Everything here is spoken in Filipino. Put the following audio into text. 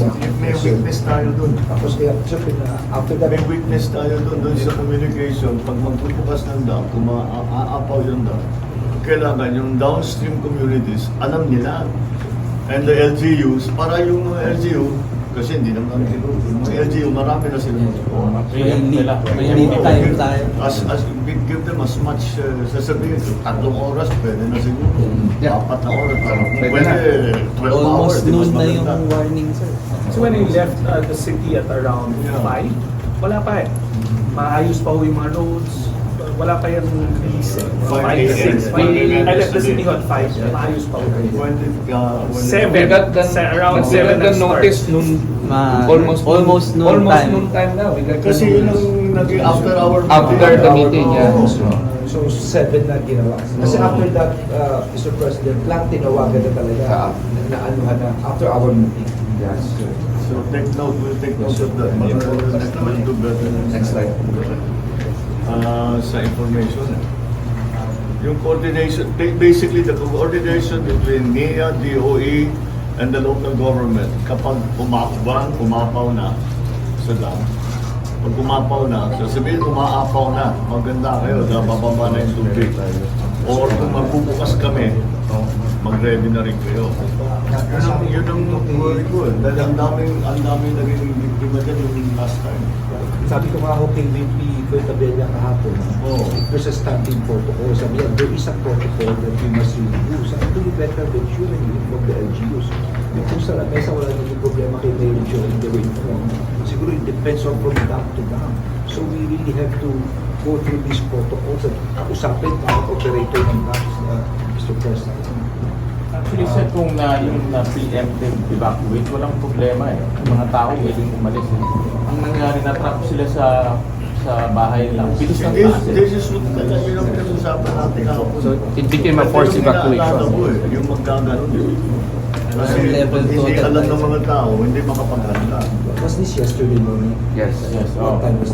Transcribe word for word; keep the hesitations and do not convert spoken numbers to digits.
sir. May weakness tayo dun. Tapos kaya, siyempre na, after that, May weakness tayo dun, dun sa communication. Pag magbubukas ng dam, kung maaapaw yung dam, kailangan yung downstream communities, alam nila. And the L G Us, para yung mga L G U, kasi hindi naman kami tinuro. Yung mga L G U, marami na sila. May limit time tayo. As, as, we give them as much, uh, sasabihin, tatlong oras, pwede na siguro. Yeah. Apat na oras, parang Pwede pwede, na. twelve hours. Almost di mas noon na yung maganda. warning, sir. So when you left uh, the city at around Yeah. five, wala pa eh. Maayos pa ho yung mga roads. Wala pa yung release eh. five five, a m. six. five a m. I left the city at five. Maayos pa ho. When did, uh, when Seven. We got the, Sa- around we seven got the nag-start. notice noon, Ma- almost almost noon almost time. noon time na. We got the Kasi yun ang notice. naging after our After the meeting, yeah. Oo. so seven na ginawa. Kasi Oo. after that, uh, Mister President, lahat tinawagan na talaga na, na anuhan na after our meeting. Yes. So take note, we'll take note of that. But we'll we'll do better. Next slide. Uh, sa information. Yung coordination, ba- basically the coordination between N I A, D O E, and the local government kapag umakbang, umapaw na sa dam. Pag umapaw na, sasabihin umaapaw na, maganda kayo, bababa na yung tubig. Or kung magbubukas kami, mag-ready na rin kayo. Yun ang, yun ang worry ko eh. Dahil ang daming, ang daming naging biktima dyan yung last time. Sabi ko nga ho kay V P Fuentabella kahapon, Oo. there's a standing protocol. Sabi niya, there is a protocol that we must review. Sabi ko, you better make sure that you inform the L G Us. Yung kung sa lamesa, wala naging problema kay Mayor Joe in the way informed. Siguro it depends on from dam to dam. So we really have to go through these protocols at kausapin ang operator ng dams, uh, Mister President. Actually, sir, kung na yung na preemptive evacuate, walang problema eh. Yung mga tao willing umalis eh. Ang nangyari, na-trap sila sa sa bahay lang. Bilis ng This, taas eh. this is what talaga yun ang pinag-usapan natin kahapon. So, it became a forced Ito yung evacuation. inaalaga ko eh, yung magkaganon eh. Kasi Level pag two hindi at alam that ng time. mga tao, hindi makapaghanda. Was this yesterday morning? Yes. Yes, What oh. time was